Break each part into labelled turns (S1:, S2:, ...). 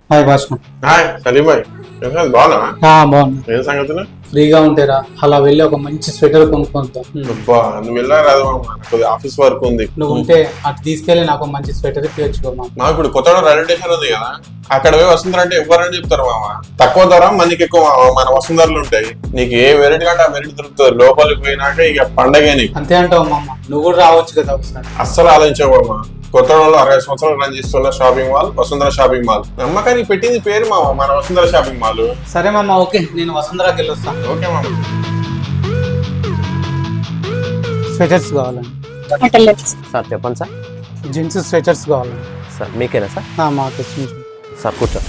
S1: Hi Bhaskar.
S2: Hi Salim భాయ్, బాగున్నా?
S1: బాగున్నా.
S2: ఏం సంగతులు?
S1: ఫ్రీగా ఉంటారా? అలా వెళ్ళి ఒక మంచి స్వెటర్ కొనుక్కుంటాం.
S2: అబ్బా, నువ్వు వెళ్ళా రాదు మామ, ఆఫీస్ వర్క్ ఉంది.
S1: నువ్వు ఉంటే అటు తీసుకెళ్లి నాకు మంచి స్వెటర్ తెచ్చుకోమా.
S2: మా ఇప్పుడు కొత్తగా రైల్వే స్టేషన్ ఉంది కదా, అక్కడ పోయి వసుంధర అంటే ఎవరని చెప్తారు మామ. తక్కువ ధర మనకి ఎక్కువ మామ, మన వసుంధరలు ఉంటాయి. నీకు ఏ వెరైటీ కంటే ఆ వెరైటీ దొరుకుతుంది. లోపలికి పోయినాక ఇక పండగే నీకు.
S1: అంతే అంటావు మామ, నువ్వు కూడా రావచ్చు కదా ఒకసారి.
S2: అస్సలు ఆలోచించావు మామ. కొత్తగూడలో 60 సంవత్సరాలు రన్ చేస్తున్న shopping mall Vasundhara shopping mall. నమ్మకానికి పెట్టింది పేరు మామ, మన వసుంధర షాపింగ్ మాల్.
S1: సరే మామ, ఓకే, నేను వసుంధరాకి వెళ్ళొస్తాను.
S2: ఓకే మామ.
S1: స్వెటర్స్ కావాలండి
S3: సార్. చెప్పండి సార్.
S1: జెంట్స్ స్వెటర్స్ కావాలండి
S3: సార్ మీకేనా సార్?
S1: మాకు
S3: సార్ కూర్చో.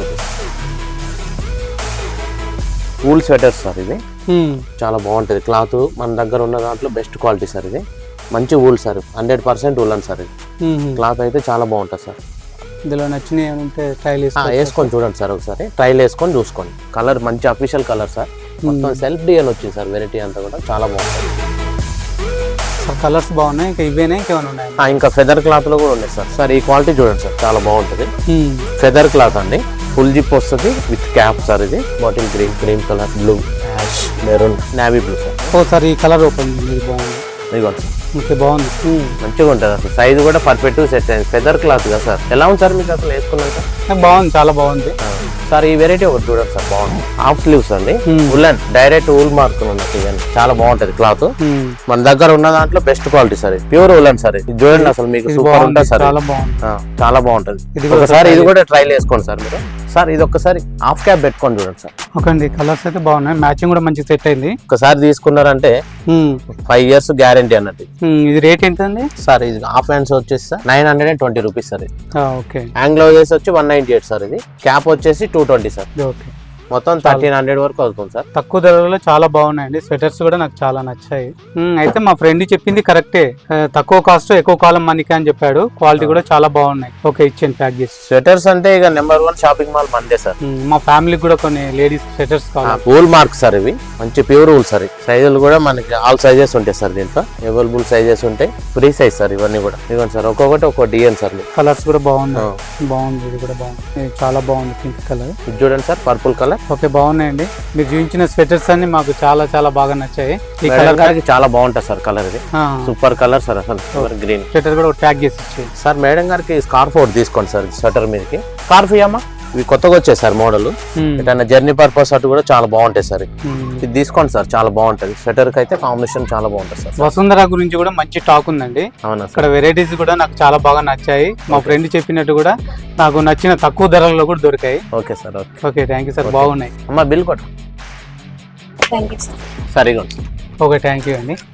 S3: వూల్ స్వెటర్స్ సార్, ఇది చాలా బాగుంటుంది. క్లాత్ మన దగ్గర ఉన్న దాంట్లో బెస్ట్ క్వాలిటీ సార్. ఇది మంచి వూల్ సార్, 100% వూల్ అని సార్. ఇది క్లాత్ అయితే చాలా బాగుంటుంది సార్.
S1: ఇందులో నచ్చినవి ఏమంటే ట్రైల్
S3: వేసుకొని చూడండి సార్ ఒకసారి. ట్రైల్ వేసుకొని చూసుకోండి. కలర్ మంచి అఫీషియల్ కలర్ సార్. మొత్తం సెల్ఫ్ డిజైన్ వచ్చింది సార్. వెరైటీ అంతా కూడా చాలా బాగుంటుంది
S1: సార్. కలర్స్ బాగున్నాయి, ఇంకా ఇవేనే ఇంకేమైనా ఉన్నాయి?
S3: ఇంకా ఫెదర్ క్లాత్ లో కూడా ఉన్నాయి సార్. సార్ ఈ క్వాలిటీ చూడండి సార్, చాలా బాగుంటుంది. ఫెదర్ క్లాత్ అండి, ఫుల్ జిప్ వస్తుంది విత్ క్యాప్ సార్. ఇది bottle green, cream colour, blue, ash, maroon, navy blue sir.
S1: Sir ఈ కలర్ ఓపెన్ బాగుంది.
S3: ఇదిగోండి సార్,
S1: ఓకే, బాగుంది,
S3: మంచిగా ఉంటుంది అసలు. సైజ్ కూడా పర్ఫెక్ట్ సెట్ అయింది. ఫెదర్ క్లాత్ కదా సార్. ఎలా ఉంది సార్ మీకు అసలు వేసుకున్నాక?
S1: బాగుంది, చాలా బాగుంది
S3: సార్. ఈ వెరైటీ ఒకటి చూడండి సార్, బాగుంది. హాఫ్ స్లీవ్స్ అండి, ఉల్లన్ డైరెక్ట్ ఊల్ మార్క్ ఉన్నట్టు. చాలా బాగుంటుంది క్లాత్. మన దగ్గర ఉన్న దాంట్లో best quality sir. Pure woollen sir. ఇది చూడండి అసలు, మీకు సూపర్ ఉంటుంది సార్. చాలా బాగుంటుంది. ఒకసారి ఇది కూడా ట్రైల్ వేసుకోండి సార్ మీరు. సార్ ఇది ఒక్కసారి హాఫ్ క్యాప్ పెట్టుకొని చూడండి సార్.
S1: ఓకే అండి, కలర్స్ అయితే బాగున్నాయి, మ్యాచింగ్ కూడా మంచి సెట్ అయింది.
S3: ఒకసారి తీసుకున్నారంటే 5 years గ్యారంటీ అన్నట్టు.
S1: ఇది రేట్ ఏంటండి
S3: సార్? ఇది హాఫ్ హ్యాండ్స్ వచ్చేసి సార్ 920 రూపీస్ సార్. ఇది
S1: ఓకే.
S3: యాంగ్లో వచ్చి 198 సార్. ఇది క్యాప్ వచ్చేసి 220 సార్.
S1: ఓకే,
S3: మొత్తం 1300 వరకు అవుతుంది సార్.
S1: తక్కువ ధరలో చాలా బాగున్నాయండి. స్వెటర్స్ కూడా నాకు చాలా నచ్చాయి. అయితే మా ఫ్రెండ్ చెప్పింది కరెక్టే, తక్కువ కాస్ట్ ఎక్కువ కాలం మనకి అని చెప్పాడు. క్వాలిటీ కూడా చాలా బాగున్నాయి. ఓకే, ఇచ్చాను, ప్యాక్ చేసి.
S3: స్వెటర్స్ అంటే ఇక నెంబర్ 1 షాపింగ్ మాల్ మందే సార్.
S1: మా ఫ్యామిలీకి కూడా కొన్ని లేడీస్ స్వెటర్స్ కావాలి.
S3: Wool mark sir. ఇవి మంచి ప్యూర్ వూల్ సార్. సైజులు కూడా మనకి ఆల్ సైజెస్ ఉంటాయి సార్. దీంట్లో అవైలబుల్ సైజెస్ ఉంటాయి. ఫ్రీ సైజ్ సార్ ఇవన్నీ కూడా. ఇవ్వండి సార్, ఒక్కొక్కటి ఒక్కో డిజైన్ సార్.
S1: కలర్స్ కూడా బాగున్నాయి. బాగుంది, ఇది కూడా బాగుంది, చాలా బాగుంది. Pink colour.
S3: ఇది చూడండి సార్, పర్పుల్ కలర్.
S1: ఓకే, బాగున్నాయండి. మీరు చూపించిన స్వెటర్స్ అన్ని మాకు చాలా చాలా బాగా నచ్చాయి.
S3: ఈ కలర్ చాలా బాగుంటుంది సార్. కలర్ ఇది సూపర్ కలర్ సార్. అసలు గ్రీన్
S1: స్వెటర్ కూడా ట్యాగ్ చేసి ఇచ్చేది
S3: సార్. మేడం గారికి స్కార్ఫ్ ఒకటి తీసుకోండి సార్. స్వెటర్ మీదకి స్కార్ఫ్ ఇయ్యమ్మా. ఇవి కొత్తగా వచ్చాయి సార్ మోడల్. ఏదైనా జర్నీ పర్పస్ అటు కూడా చాలా బాగుంటాయి సార్. ఇది తీసుకోండి సార్, చాలా బాగుంటది. స్వెటర్ కి అయితే కాంబినేషన్ చాలా బాగుంటుంది సార్.
S1: వసుంధర గురించి కూడా మంచి టాక్ ఉందండి.
S3: అవునా,
S1: ఇక్కడ వెరైటీస్ కూడా నాకు చాలా బాగా నచ్చాయి. మా ఫ్రెండ్ చెప్పినట్టు కూడా నాకు నచ్చిన తక్కువ ధరల్లో కూడా దొరికాయి.
S3: Okay sir.
S1: Okay, thank you sir, బాగున్నాయి.
S3: అమ్మా బిల్ కొట్టు.
S4: Thank you sir.
S3: సరిగా ఉంది.
S1: ఓకే, థ్యాంక్ యూ అండి.